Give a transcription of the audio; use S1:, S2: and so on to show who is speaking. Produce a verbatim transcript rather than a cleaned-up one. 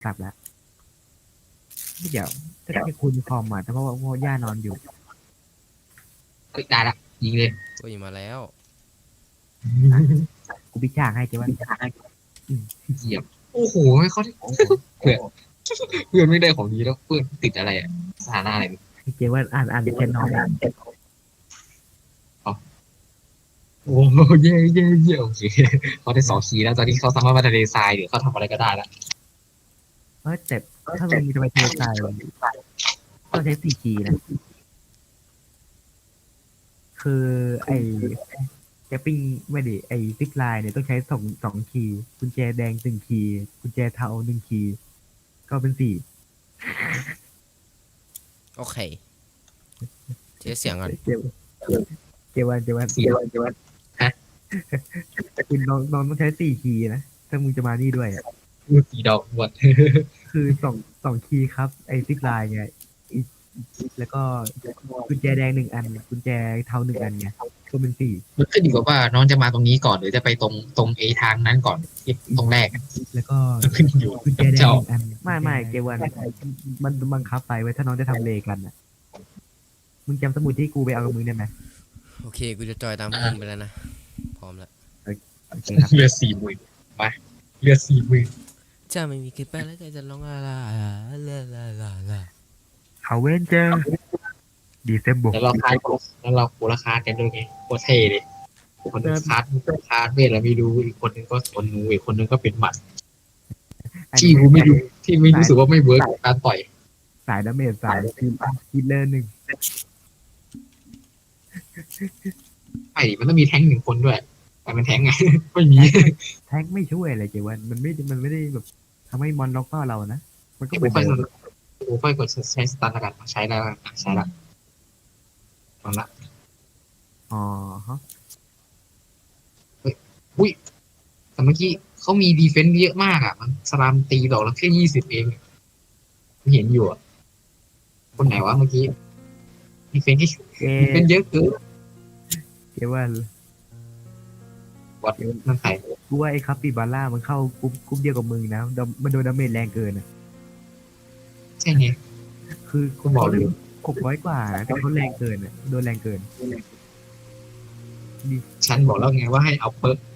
S1: กลับแล้วเดี๋ยวจะได้คุณคอมอ่ะแต่เพราะว่าเพราะว่าย่านอนอยู่
S2: เฮ้ยได้ละยิงเลย
S3: โอ้ยมาแล้ว
S1: กูพิชากให้เจ๊ว่า
S2: เหยียบโอ้โหเขาเพื่อนเพื่อนไม่ได้ของดีแล้วเพื่อนติดอะไรอ่ะสถานะอะไรเนี่ย
S1: เจ๊ว่าอ่านอ่านแค่นอนอ่าน
S2: โอ้โหเย่เย่เย่โอเคเขาได้สองคีย์แล้วตอนนี้เขาสามารถมาทะเลทรายหรือเขาทำอะไรก็ได้แล้ว
S1: เออแต่ถ้ามึงจะไปเททรายต้องใช้สี่คีย์นะคือไอ้แกปิ้งไม่ดิไอ้ซิกไลน์เนี่ยต้องใช้สองสองคีย์กุญแจแดงหนึ่งคีย์กุญแจเทาหนึ่งคีย์ก็เป็นสี่
S3: โอเคเจ๊เสียงก่อน
S1: เจเจวันเจวัน
S2: สี่
S1: เจวันเจวันแต่คุณน้องน้องต้องใช้สี่คีย์นะถ้ามึงจะมานี่ด้วยอะ
S2: พูดสี่ดอกหมด
S1: คือสองสองคีย์ครับ ไอ้ซิกไลน์ไงอีกแล้วก็กุญแจแดงหนึ่งอันกุญแจเทาหนึ่งอันไงก็เป็นสี่
S2: มันขึ้นอยู่กับว่าน้องจะมาตรงนี้ก่อนหรือจะไปตรงตรงเอทางนั้นก่อนที่ตรงแรกอะ
S1: แล้วก็
S2: มันขึ้นอยู่
S1: กุญแจ
S2: กับ
S1: แดง
S2: เจ้า
S1: หนึ่งอันไม่ไม่เจวันมันบังคับไปไว้ถ้าน้องจะทำเลกันอ่ะมึงจำสมุดที่กูไปเอากับมึงได้ไหม
S3: โอเคกูจะจอยตามพวกมึงไปแล้วนะพร้อมแล้ว
S1: โอเคครับ
S2: เรือสี่หมื่นไปเรือสี่หมื่น
S3: จะไม่มีใครไปแล้วใจจะร้องอะไรลาลาลาลา
S1: เขาเว้นเจอดีเซมบก
S2: แล้วเราคาดแล้วเราโหราคากันด้วยไงโคตรเท่เลยคนหนึงคาดคาดเวทแล้วไม่รู้อีกคนหนึงก็สนหนูอีกคนหนึงก็เป็นหมัดที่กูไม่รู้ที่ไม่รู้สึกว่าไม่เวิร์กกับการต่อย
S1: สายดาเมจสายคือฮิตเลอร์หนึ่ง
S2: ไอ้มันต้องมีแท้งหนึ่งคนด้วย แต่มันแท้งไง ไม่มี
S1: แท็กไม่ช่วยอะไรเจวันมันไม่มันไม่ได้แบบทำให้มอนล็อกเป้าเรานะมันก็
S2: กู
S1: เหมือน
S2: ค่อย
S1: เดิ
S2: ก
S1: ม
S2: ดกูค่อยกดใช้สตาร์ทแล้วกันใช้แล้วอ่ะใช้ละตอนละ
S1: อ๋อฮะ
S2: แต่เมื่อกี้เขามีดีเฟนซ์เยอะมากอ่ะ มันสลามตีดอกละแค่ยี่สิบเองไม่เห็นอยู่อ่ะคนไหนวะเมื่อกี้ดีเฟนซ์ที่
S1: เจ
S2: ดีเฟนซ์เยอะเกิน
S1: เจวัน
S2: วัดนั่นใคร
S1: กูว่าไอ้คัปปิบาร่ามันเข้ากรุ๊ปกรุ๊ปเดียวกับมึงนะดำมันโดนดาเมจแรงเกินอ่ะ
S2: ใช่ไง
S1: คือ
S2: กูบอกอยู่
S1: หกร้อยกว่านะแต่เขาแรงเกินอ่ะโดนแรงเกิน
S2: ฉันบอกแล้วไงว่าให้เอาเปิร์ก